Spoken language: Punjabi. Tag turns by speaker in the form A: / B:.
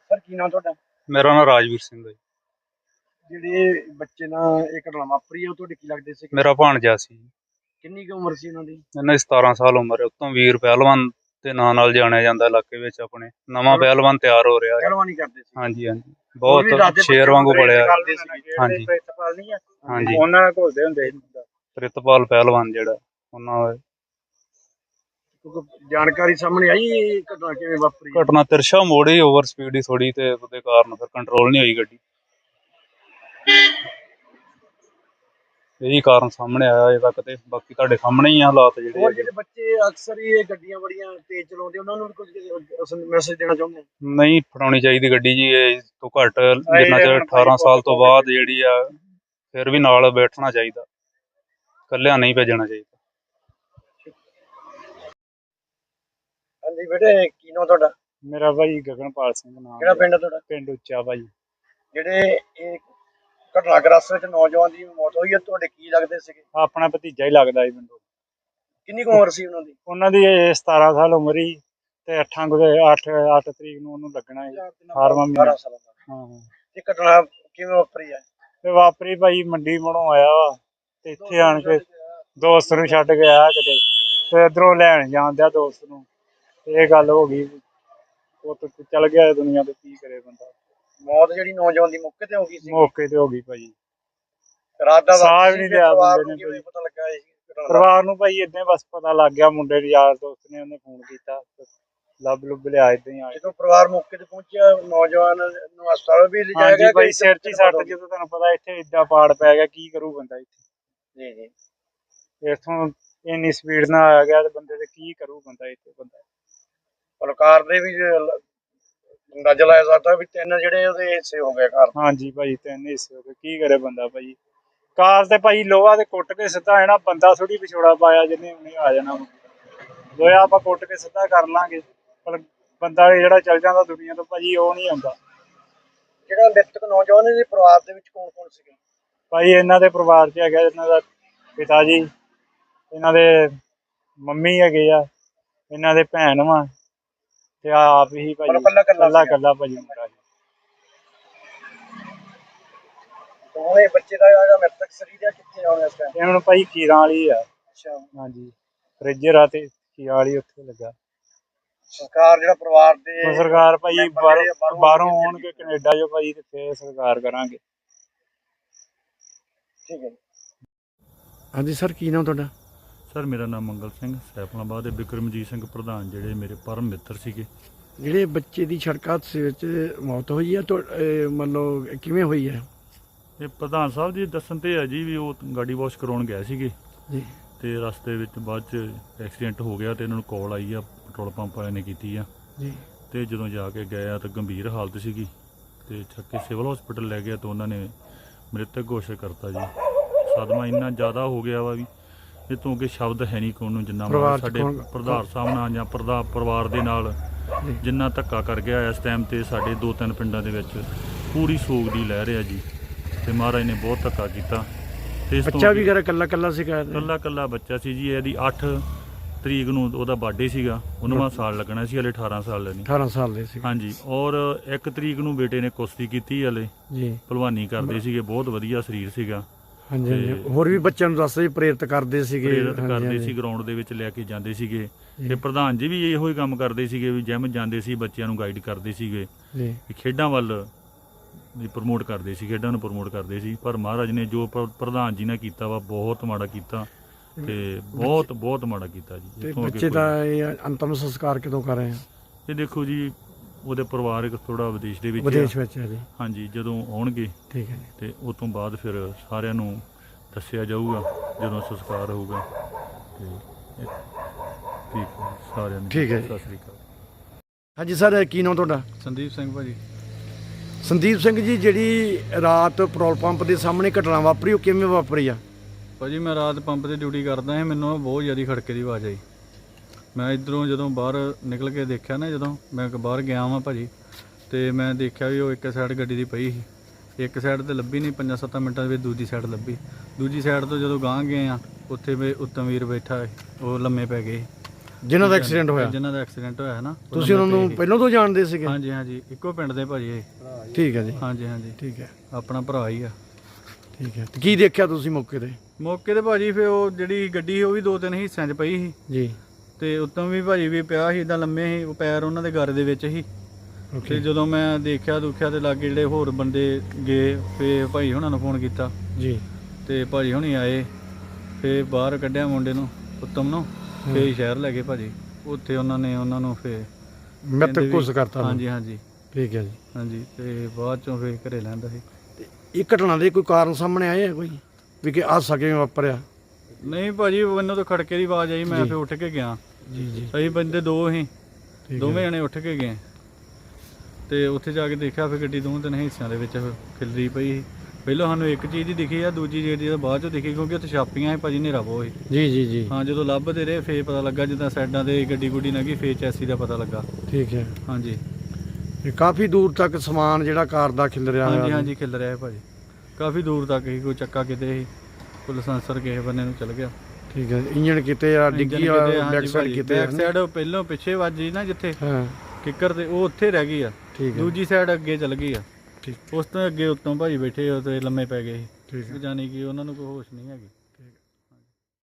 A: ਸਰ ਕੀ ਨਾਮ ਤੁਹਾਡਾ?
B: ਮੇਰਾ ਨਾਮ ਰਾਜਵੀਰ ਸਿੰਘ ਹੈ।
A: ਜਿਹੜੇ ਬੱਚੇ ਨਾਲ ਇਹ ਘਟਨਾ ਵਾਪਰੀ ਹੈ ਉਹ ਤੁਹਾਡੇ ਕੀ ਲੱਗਦੇ ਸੀ?
B: ਮੇਰਾ ਭਾਣਜਾ ਸੀ।
A: ਕਿੰਨੀ ਕੁ ਉਮਰ ਸੀ ਉਹਨਾਂ ਦੀ?
B: ਇਹਨਾਂ ਦੀ 17 ਸਾਲ ਉਮਰ ਹੈ। ਉਤੋਂ ਵੀਰ ਪਹਿਲਵਾਨ ਦੇ ਨਾਂ ਨਾਲ ਜਾਣਿਆ ਜਾਂਦਾ ਇਲਾਕੇ ਵਿੱਚ। ਆਪਣੇ ਨਵਾਂ ਪਹਿਲਵਾਨ ਤਿਆਰ ਹੋ ਰਿਹਾ ਹੈ।
A: ਪਹਿਲਵਾਨੀ ਕਰਦੇ ਸੀ?
B: ਹਾਂਜੀ ਹਾਂਜੀ, ਬਹੁਤ ਸ਼ੇਰ ਵਾਂਗੂ ਬੜਿਆ। ਹਾਂਜੀ ਹਾਂਜੀ,
A: ਉਹਨਾਂ ਨਾਲ ਘੁਲਦੇ ਹੁੰਦੇ ਸੀ।
B: ਪ੍ਰਿਤਪਾਲ ਪਹਿਲਵਾਨ ਜਿਹੜਾ ਉਹਨਾਂ ਦਾ।
A: ਜਾਣਕਾਰੀ ਸਾਹਮਣੇ ਆਈ ਇਹ ਘਟਨਾ ਕਿਵੇਂ ਵਾਪਰੀ?
B: ਘਟਨਾ ਤਿਰਸ਼ਾ ਮੋੜੀ ਓਵਰ ਸਪੀਡ ਹੀ ਥੋੜੀ, ਤੇ ਉਹਦੇ ਕਾਰਨ ਫਿਰ ਕੰਟਰੋਲ ਨਹੀਂ ਹੋਈ ਗੱਡੀ। ਇਹੀ ਕਾਰਨ ਸਾਹਮਣੇ ਆਇਆ ਅਜੇ ਤੱਕ, ਤੇ ਬਾਕੀ ਤੁਹਾਡੇ ਸਾਹਮਣੇ ਹੀ ਆ ਹਾਲਾਤ
A: ਜਿਹੜੇ ਬੱਚੇ ਅਕਸਰ ਹੀ ਇਹ ਗੱਡੀਆਂ ਬੜੀਆਂ ਤੇਜ਼ ਚਲਾਉਂਦੇ, ਉਹਨਾਂ ਨੂੰ ਵੀ ਕੁਝ ਮੈਸੇਜ ਦੇਣਾ ਚਾਹੁੰਦੇ?
B: ਨਹੀਂ ਫੜਾਉਣੀ ਚਾਹੀਦੀ ਗੱਡੀ ਜੀ, ਇਹ ਤੋਂ ਘੱਟ ਜਿੰਨਾ ਚਿਰ 18 ਸਾਲ ਤੋਂ ਬਾਅਦ ਜਿਹੜੀ ਆ, ਫਿਰ ਵੀ ਨਾਲ ਬੈਠਣਾ ਚਾਹੀਦਾ, ਇਕੱਲਿਆਂ ਨਹੀਂ ਭੇਜਣਾ ਚਾਹੀਦਾ।
A: ਹਾਂਜੀ ਬੇਟੇ, ਕੀ ਨਾਮ ਤੁਹਾਡਾ?
B: ਮੇਰਾ ਭਾਈ ਗਗਨਪਾਲ ਸਿੰਘ ਨਾਮ।
A: ਕਿਹੜਾ ਪਿੰਡ ਤੁਹਾਡਾ?
B: ਪਿੰਡ ਉੱਚਾ ਭਾਈ।
A: ਜਿਹੜੇ ਇਹ ਘਟਨਾ ਗ੍ਰਸਤ ਵਿੱਚ ਨੌਜਵਾਨ ਦੀ ਮੌਤ ਹੋਈ ਹੈ, ਤੁਹਾਡੇ ਕੀ ਲੱਗਦੇ ਸੀਗੇ?
B: ਆਪਣਾ ਭਤੀਜਾ ਹੀ ਲੱਗਦਾ ਜੀ ਮੈਨੂੰ।
A: ਕਿੰਨੀ ਕੁ ਉਮਰ ਸੀ ਉਹਨਾਂ ਦੀ?
B: ਉਹਨਾਂ ਦੀ 17 ਸਾਲ ਉਮਰ ਹੀ, ਤੇ 8 ਤਰੀਕ ਨੂੰ ਉਹਨੂੰ ਲੱਗਣਾ ਹੈ 18ਵਾਂ ਮਹੀਨਾ। ਹਾਂ,
A: ਇਹ ਘਟਨਾ ਕਿਵੇਂ ਵਾਪਰੀ ਹੈ?
B: ਤੇ ਵਾਪਰੀ ਭਾਈ ਮੰਡੀ ਮੜੋਂ ਆਇਆ ਵਾ, ਤੇ ਇੱਥੇ ਆਣ ਕੇ ਦੋਸਤ ਨੂੰ ਛੱਡ ਕੇ ਆਇਆ ਕਿਤੇ, ਤੇ ਇੱਧਰੋਂ ਲੈਣ ਜਾਂਦਿਆ ਦੋਸਤ ਨੂੰ, ਇਹ ਗੱਲ ਹੋ ਗਈ। ਉਹ ਚੱਲ ਗਿਆ ਦੁਨੀਆ ਤੇ, ਕੀ ਕਰੇ ਬੰਦਾ।
A: ਮੌਤ ਜਿਹੜੀ ਨੌਜਵਾਨ ਦੀ ਮੌਕੇ ਤੇ ਹੋ ਗਈ ਸੀ?
B: ਮੌਕੇ ਤੇ ਹੋ ਗਈ ਭਾਈ।
A: ਰਾਤ ਦਾ
B: ਸਾਹ ਵੀ ਨਹੀਂ ਲਿਆ ਬੰਦੇ ਨੇ।
A: ਕਿਵੇਂ ਪਤਾ ਲੱਗਾ ਇਸ ਘਟਨਾ ਦਾ?
B: ਪਰਿਵਾਰ ਨੂੰ ਭਾਈ ਏਦਾਂ ਬਸ ਪਤਾ ਲੱਗ ਗਿਆ, ਮੁੰਡੇ ਦੇ ਯਾਰ ਦੋਸਤ ਨੇ ਉਹਨੇ ਫੋਨ ਕੀਤਾ, ਲੱਭ ਲੁੱਭ ਲਿਆ ਏਦਾਂ ਹੀ ਆ।
A: ਜਦੋਂ ਪਰਿਵਾਰ ਮੌਕੇ ਤੇ ਪਹੁੰਚਿਆ, ਨੌਜਵਾਨ ਨੂੰ ਹਸਪਤਾਲ ਵੀ ਲਿਜਾਇਆ ਗਿਆ?
B: ਭਾਈ ਸਿਰ 'ਚ ਹੀ ਸੱਟ, ਜਦੋਂ ਤੁਹਾਨੂੰ ਪਤਾ ਇੱਥੇ ਏਦਾਂ ਪਾੜ ਪੈ ਗਿਆ, ਕੀ ਕਰੂ ਬੰਦਾ ਇੱਥੇ।
A: ਜੀ ਜੀ,
B: ਇੱਥੋਂ ਇੰਨੀ ਸਪੀਡ ਨਾਲ ਆ ਗਿਆ ਤੇ ਬੰਦੇ ਤੇ ਕੀ ਕਰੂ ਬੰਦਾ ਇੱਥੇ। ਬੰਦਾ
A: ਸਰਕਾਰ ਦੇ ਵੀ ਅੰਦਾਜ਼ਾ ਲਾਇਆ ਜਾਂਦਾ ਵੀ 3 ਜਿਹੜੇ ਉਹਦੇ ਹਿੱਸੇ ਹੋ ਗਏ ਘਰ।
B: ਹਾਂਜੀ ਭਾਈ, 3 ਹਿੱਸੇ ਹੋ ਗਏ, ਕੀ ਕਰੇ ਬੰਦਾ ਭਾਈ। ਕਾਰ ਤੇ ਭਾਈ ਲੋਹਾ ਤੇ ਕੁੱਟ ਕੇ ਸਿੱਧਾ ਹੈ, ਬੰਦਾ ਥੋੜੀ ਵਿਛੋੜਾ ਪਾਇਆ ਜਿਹਨੇ ਉਹਨੇ ਆ ਜਾਣਾ। ਲੋਹਾ ਆਪਾਂ ਕੁੱਟ ਕੇ ਸਿੱਧਾ ਕਰ ਲਾਂਗੇ, ਪਰ ਬੰਦਾ ਜਿਹੜਾ ਚੱਲ ਜਾਂਦਾ ਦੁਨੀਆ ਤੋਂ ਭਾਜੀ, ਉਹ ਨਹੀਂ ਆਉਂਦਾ।
A: ਜਿਹੜਾ ਮ੍ਰਿਤਕ ਨੌਜਵਾਨ ਦੇ ਪਰਿਵਾਰ ਦੇ ਵਿੱਚ ਕੌਣ ਕੌਣ ਸੀਗੇ?
B: ਭਾਈ ਇਹਨਾਂ ਦੇ ਪਰਿਵਾਰ 'ਚ ਹੈਗਾ ਇਹਨਾਂ ਦਾ ਪਿਤਾ ਜੀ, ਇਹਨਾਂ ਦੇ ਮੰਮੀ ਹੈਗੇ ਆ, ਇਹਨਾਂ ਦੇ ਭੈਣ ਵਾ, ਤੇ ਆਪ ਹੀ ਭਾਜੀ ਕੱਲਾ ਭਾਜੀ ਮੁੰਡਾ ਜੀ।
A: ਦੋਵੇਂ ਬੱਚੇ ਦਾ ਜਿਹੜਾ ਮ੍ਰਿਤਕ ਸਰੀਰ ਹੈ ਕਿੱਥੇ ਆਉਣਾ ਇਸ ਟਾਈਮ?
B: ਇਹ ਹੁਣ ਭਾਈ ਕੀਰਾਂ ਵਾਲੀ ਆ।
A: ਅੱਛਾ,
B: ਹਾਂਜੀ, ਫ੍ਰਿਜਰ ਆ ਤੇ ਕੀਰਾਂ ਵਾਲੀ ਉੱਥੇ ਲੱਗਾ।
A: ਸਰਕਾਰ ਜਿਹੜਾ ਪਰਿਵਾਰ ਦੇ
B: ਸਰਕਾਰ ਭਾਈ ਬਾਹਰੋਂ ਆਉਣਗੇ ਕੈਨੇਡਾ ਜੋ ਭਾਈ, ਤੇ ਫੇਰ ਸਰਕਾਰ ਕਰਾਂਗੇ।
A: ਠੀਕ ਹੈ।
C: ਹਾਂਜੀ ਸਰ, ਕੀ ਨਾਮ ਤੁਹਾਡਾ?
D: ਸਰ ਮੇਰਾ ਨਾਮ ਮੰਗਲ ਸਿੰਘ, ਸੈਫਲਾਬਾਦ ਦੇ ਬਿਕਰਮਜੀਤ ਸਿੰਘ ਪ੍ਰਧਾਨ ਜਿਹੜੇ ਮੇਰੇ ਪਰਮ ਮਿੱਤਰ ਸੀਗੇ।
C: ਜਿਹੜੇ ਬੱਚੇ ਦੀ ਸੜਕ ਹਾਦਸੇ ਵਿੱਚ ਮੌਤ ਹੋਈ ਹੈ, ਮਤਲਬ ਕਿਵੇਂ ਹੋਈ ਹੈ?
D: ਇਹ ਪ੍ਰਧਾਨ ਸਾਹਿਬ ਜੀ ਦੱਸਣ ਤੇ ਹੈ ਜੀ, ਵੀ ਉਹ ਗਾਡੀ ਵਾਸ਼ ਕਰਾਉਣ ਗਏ ਸੀਗੇ
C: ਜੀ,
D: ਤੇ ਰਸਤੇ ਵਿੱਚ ਬਾਅਦ 'ਚ ਐਕਸੀਡੈਂਟ ਹੋ ਗਿਆ, ਤੇ ਇਹਨਾਂ ਨੂੰ ਕਾਲ ਆਈ ਆ, ਪੈਟਰੋਲ ਪੰਪ ਵਾਲਿਆਂ ਨੇ ਕੀਤੀ ਆ
C: ਜੀ।
D: ਤੇ ਜਦੋਂ ਜਾ ਕੇ ਗਏ ਆ ਤਾਂ ਗੰਭੀਰ ਹਾਲਤ ਸੀਗੀ, ਤੇ ਚੱਕ ਕੇ ਸਿਵਲ ਹਸਪੀਟਲ ਲੈ ਗਿਆ, ਤਾਂ ਉਹਨਾਂ ਨੇ ਮ੍ਰਿਤਕ ਘੋਸ਼ਿਤ ਕਰਤਾ ਜੀ। ਸਦਮਾ ਇੰਨਾ ਜ਼ਿਆਦਾ ਹੋ ਗਿਆ ਵਾ ਵੀ ਇਹ ਤੋਂ ਅੱਗੇ ਸ਼ਬਦ ਹੈ ਨਹੀਂ ਕੋਈ ਨੂੰ, ਜਿੰਨਾ ਸਾਡੇ ਪ੍ਰਧਾਨ ਸਾਹਿਬ ਨਾਲ ਜਾਂ ਪਰਿਵਾਰ ਦੇ ਨਾਲ ਜਿੰਨਾ ਧੱਕਾ ਕਰ ਗਿਆ ਇਸ ਟਾਈਮ ਤੇ ਸਾਡੇ 2-3 ਪਿੰਡਾਂ ਦੇ ਵਿੱਚ ਪੂਰੀ ਸੋਗ ਦੀ ਲਹਿਰ ਆ ਜੀ, ਤੇ ਮਹਾਰਾਜ ਨੇ ਬਹੁਤ ਧੱਕਾ ਕੀਤਾ। ਤੇ
C: ਬੱਚਾ ਵੀ ਘਰ ਕੱਲਾ ਸੀਗਾ?
D: ਕੱਲਾ ਬੱਚਾ ਸੀ ਜੀ। ਇਹਦੀ 8 ਤਰੀਕ ਨੂੰ ਉਹਦਾ ਬਰਥਡੇ ਸੀਗਾ, 19ਵਾਂ ਸਾਲ ਲੱਗਣਾ ਸੀ, ਹਲੇ 18 ਸਾਲ ਲੈਣੀ।
C: 18 ਸਾਲ ਦੇ ਸੀ।
D: ਹਾਂਜੀ, ਔਰ 1 ਤਰੀਕ ਨੂੰ ਬੇਟੇ ਨੇ ਕੁਸ਼ਤੀ ਕੀਤੀ, ਹਲੇ
C: ਜੀ
D: ਭਲਵਾਨੀ ਕਰਦੇ ਸੀਗੇ, ਬਹੁਤ ਵਧੀਆ ਸਰੀਰ ਸੀਗਾ।
C: ਹਾਂਜੀ ਹਾਂਜੀ, ਹੋਰ ਵੀ ਬੱਚਿਆਂ ਨੂੰ ਦੱਸਦੇ ਪ੍ਰੇਰਿਤ ਕਰਦੇ ਸੀਗੇ?
D: ਸੀ, ਗਰਾਊਂਡ ਦੇ ਵਿੱਚ ਲੈ ਕੇ ਜਾਂਦੇ ਸੀਗੇ, ਤੇ ਪ੍ਰਧਾਨ ਜੀ ਵੀ ਇਹੋ ਹੀ ਕੰਮ ਕਰਦੇ ਸੀਗੇ, ਵੀ ਜਿਮ ਜਾਂਦੇ ਸੀ, ਬੱਚਿਆਂ ਨੂੰ ਗਾਈਡ ਕਰਦੇ ਸੀਗੇ, ਖੇਡਾਂ ਵੱਲ ਪ੍ਰਮੋਟ ਕਰਦੇ ਸੀ, ਖੇਡਾਂ ਨੂੰ ਪ੍ਰਮੋਟ ਕਰਦੇ ਸੀ। ਪਰ ਮਹਾਰਾਜ ਨੇ ਜੋ ਪ੍ਰਧਾਨ ਜੀ ਨੇ ਕੀਤਾ ਵਾ, ਬਹੁਤ ਮਾੜਾ ਕੀਤਾ, ਤੇ ਬਹੁਤ ਮਾੜਾ ਕੀਤਾ ਜੀ।
C: ਬੱਚੇ ਦਾ ਇਹ ਅੰਤਮ ਸੰਸਕਾਰ ਕਦੋਂ ਕਰ ਰਹੇ ਆ?
D: ਇਹ ਦੇਖੋ ਜੀ, ਉਹਦੇ ਪਰਿਵਾਰ ਥੋੜਾ ਵਿਦੇਸ਼ ਦੇ ਵਿੱਚ
C: ਹੈ ਜੀ।
D: ਹਾਂਜੀ, ਜਦੋਂ ਆਉਣਗੇ
C: ਠੀਕ ਹੈ,
D: ਤੇ ਉਸ ਤੋਂ ਬਾਅਦ ਫਿਰ ਸਾਰਿਆਂ ਨੂੰ ਦੱਸਿਆ ਜਾਊਗਾ ਜਦੋਂ ਸੰਸਕਾਰ ਹੋਊਗਾ। ਤੇ ਠੀਕ ਹੈ ਸਾਰਿਆਂ ਨੂੰ,
C: ਠੀਕ ਹੈ,
D: ਸਤਿ ਸ੍ਰੀ ਅਕਾਲ।
C: ਹਾਂਜੀ ਸਰ, ਕੀ ਨਾਮ ਤੁਹਾਡਾ?
D: ਸੰਦੀਪ ਸਿੰਘ ਭਾਜੀ।
C: ਸੰਦੀਪ ਸਿੰਘ ਜੀ, ਜਿਹੜੀ ਰਾਤ ਪੈਟਰੋਲ ਪੰਪ ਦੇ ਸਾਹਮਣੇ ਘਟਨਾ ਵਾਪਰੀ, ਉਹ ਕਿਵੇਂ ਵਾਪਰੀ ਆ?
E: ਭਾਜੀ ਮੈਂ ਰਾਤ ਪੰਪ 'ਤੇ ਡਿਊਟੀ ਕਰਦਾ ਸੀ, ਮੈਨੂੰ ਬਹੁਤ ਜ਼ਿਆਦਾ ਖੜਕੇ ਦੀ ਆਵਾਜ਼ ਆਈ। ਮੈਂ ਇੱਧਰੋਂ ਜਦੋਂ ਬਾਹਰ ਨਿਕਲ ਕੇ ਦੇਖਿਆ ਨਾ, ਜਦੋਂ ਮੈਂ ਬਾਹਰ ਗਿਆ ਵਾਂ ਭਾਜੀ, ਤੇ ਮੈਂ ਦੇਖਿਆ ਵੀ ਉਹ ਇੱਕ ਸਾਈਡ ਗੱਡੀ ਦੀ ਪਈ ਸੀ, ਇੱਕ ਸਾਈਡ ਤੇ ਲੱਭੀ ਨਹੀਂ, 5-7 ਮਿੰਟਾਂ ਦੇ ਵਿੱਚ ਦੂਜੀ ਸਾਈਡ ਲੱਭੀ। ਦੂਜੀ ਸਾਈਡ ਤੋਂ ਜਦੋਂ ਗਾਂਹ ਗਏ ਆ, ਉੱਥੇ ਵੀ ਉੱਤਮ ਵੀਰ ਬੈਠਾ, ਉਹ ਲੰਮੇ ਪੈ ਗਏ।
C: ਜਿਨ੍ਹਾਂ ਦਾ ਐਕਸੀਡੈਂਟ ਹੋਇਆ?
E: ਜਿਨ੍ਹਾਂ ਦਾ ਐਕਸੀਡੈਂਟ ਹੋਇਆ ਹੈ ਨਾ, ਉਹ
C: ਤੁਸੀਂ ਉਹਨਾਂ
E: ਨੰਬਰ
C: ਨੂੰ
E: ਤੇ
C: ਪਹਿਲਾਂ ਤੋਂ ਜਾਣਦੇ ਸੀਗੇ?
E: ਹਾਂਜੀ ਹਾਂਜੀ, ਇੱਕੋ ਪਿੰਡ ਦੇ ਭਾਜੀ ਇਹ।
C: ਠੀਕ ਹੈ ਜੀ,
E: ਹਾਂਜੀ ਹਾਂਜੀ,
C: ਠੀਕ ਹੈ,
E: ਆਪਣਾ ਭਰਾ ਹੀ ਆ।
C: ਠੀਕ ਹੈ। ਤੇ ਕੀ ਦੇਖਿਆ ਤੁਸੀਂ ਮੌਕੇ ਤੇ?
E: ਮੌਕੇ ਤੇ ਭਾਜੀ ਫਿਰ ਉਹ ਜਿਹੜੀ ਗੱਡੀ ਸੀ ਉਹ ਵੀ 2-3 ਹਿੱਸਿਆਂ 'ਚ ਪਈ ਸੀ
C: ਜੀ,
E: ਤੇ ਉੱਤੋਂ ਵੀ ਭਾਜੀ ਵੀ ਪਿਆ ਸੀ, ਇਦਾਂ ਲੰਮੇ ਸੀ, ਉਹ ਪੈਰ ਉਹਨਾਂ ਦੇ ਗਰ ਦੇ ਵਿੱਚ ਸੀ। ਤੇ
C: ਓਕੇ
E: ਜਦੋਂ ਮੈਂ ਦੇਖਿਆ ਦੁਖਿਆ ਤੇ ਲਾਗੇ ਜਿਹੜੇ ਹੋਰ ਬੰਦੇ ਗਏ, ਫੇ ਭਾਈ ਹੁਣਾਂ ਨੂੰ ਫੋਨ ਕੀਤਾ
C: ਜੀ,
E: ਤੇ ਭਾਜੀ ਹੁਣੀ ਆਏ, ਫੇ ਬਾਹਰ ਕੱਢਿਆ ਮੁੰਡੇ ਨੂੰ, ਉੱਤਮ ਨੂੰ, ਫੇ ਸ਼ਹਿਰ ਲੈ ਗਏ ਭਾਜੀ। ਉੱਥੇ ਉਹਨਾਂ ਨੂੰ ਫੇ
C: ਮਿੱਤ ਕੁਸ ਕਰਤਾ?
E: ਹਾਂਜੀ ਹਾਂਜੀ,
C: ਠੀਕ ਹੈ ਜੀ।
E: ਹਾਂਜੀ, ਤੇ ਬਾਅਦ ਚੋਂ ਫੇ ਘਰੇ ਲੈਂਦਾ ਸੀ।
C: ਤੇ ਇਹ ਘਟਨਾ ਦੇ ਕੋਈ ਕਾਰਨ ਸਾਹਮਣੇ ਆਏ ਆ ਕੋਈ ਵੀ ਕਿ ਹਾਦਸਾ ਕਿਵੇਂ ਵਾਪਰਿਆ?
E: ਨਹੀਂ ਭਾਜੀ, ਮੈਨੂੰ ਤਾਂ ਖੜਕੇ ਦੀ ਆਵਾਜ਼ ਆਈ, ਮੈਂ ਫੇ ਉੱਠ ਕੇ ਗਿਆ।
C: ਜੀ ਜੀ,
E: ਅਸੀਂ ਬੰਦੇ ਦੋ ਸੀ,
C: ਠੀਕ
E: ਦੋਵੇਂ
C: ਹੈ।
E: ਜਣੇ ਉੱਠ ਕੇ ਗਏ ਤੇ ਉੱਥੇ ਜਾ ਕੇ ਦੇਖਿਆ ਫਿਰ ਗੱਡੀ 2-3 ਹਿੱਸਿਆਂ ਦੇ ਵਿੱਚ ਖਿਲਰੀ ਪਈ ਸੀ। ਪਹਿਲਾਂ ਸਾਨੂੰ ਇੱਕ ਚੀਜ਼ ਹੀ ਦਿਖੀ ਆ, ਦੂਜੀ ਜਿਹੜੀ ਬਾਅਦ ਚੋਂ ਦਿਖੀ, ਕਿਉਂਕਿ ਉੱਥੇ ਛਾਪੀਆਂ ਸੀ ਭਾਜੀ, ਹਨੇਰਾ ਬਹੁਤ ਸੀ।
C: ਜੀ ਜੀ ਜੀ,
E: ਹਾਂ, ਜਦੋਂ ਲੱਭਦੇ ਰਹੇ ਫੇਰ ਪਤਾ ਲੱਗਾ, ਜਿੱਦਾਂ ਸਾਈਡਾਂ ਤੇ ਗੱਡੀ ਗੁੱਡੀ ਲੰਘੀ ਫੇਰ ਚੈਸੀ ਦਾ ਪਤਾ ਲੱਗਾ।
C: ਠੀਕ ਹੈ।
E: ਹਾਂਜੀ
C: ਇਹ ਕਾਫੀ ਦੂਰ ਤੱਕ ਸਮਾਨ ਜਿਹੜਾ ਕਾਰ ਦਾ ਖਿਲ ਰਿਹਾ
E: ਹਾਂਜੀ ਹਾਂਜੀ, ਖਿਲ ਰਿਹਾ ਹੈ ਭਾਜੀ, ਕਾਫੀ ਦੂਰ ਤੱਕ ਹੀ। ਕੋਈ ਚੱਕਾ ਕਿਤੇ ਸੀ, ਕੋਈ ਲਾਇਸੈਂਸਰ ਕਿਸੇ ਬੰਨੇ ਨੂੰ ਚਲ ਗਿਆ।
C: ਠੀਕ ਹੈ। ਇੰਜਣ ਕਿਤੇ ਆ, ਡਿੱਗੀ ਆ, ਬੈਕ ਸਾਈਡ ਕਿਤੇ
E: ਬੈਕ ਸਾਈਡ ਪਹਿਲਾਂ ਪਿੱਛੇ ਵੱਜੀ ਨਾ ਜਿੱਥੇ
C: ਹਾਂ,
E: ਕਿੱਕਰ ਤੇ, ਉਹ ਉੱਥੇ ਰਹਿ ਗਈ ਆ।
C: ਠੀਕ ਹੈ,
E: ਦੂਜੀ ਸਾਈਡ ਅੱਗੇ ਚਲ ਗਈ ਆ।
C: ਠੀਕ
E: ਉਸ ਤੋਂ ਅੱਗੇ ਉੱਤੋਂ ਭਾਜੀ ਬੈਠੇ ਉਹ ਤੇ ਲੰਮੇ ਪੈ ਗਏ ਸੀ,
C: ਠੀਕ ਹੈ।
E: ਜਾਨੀ ਕਿ ਉਹਨਾਂ ਨੂੰ ਕੋਈ ਹੋਸ਼ ਨਹੀਂ ਹੈਗੀ।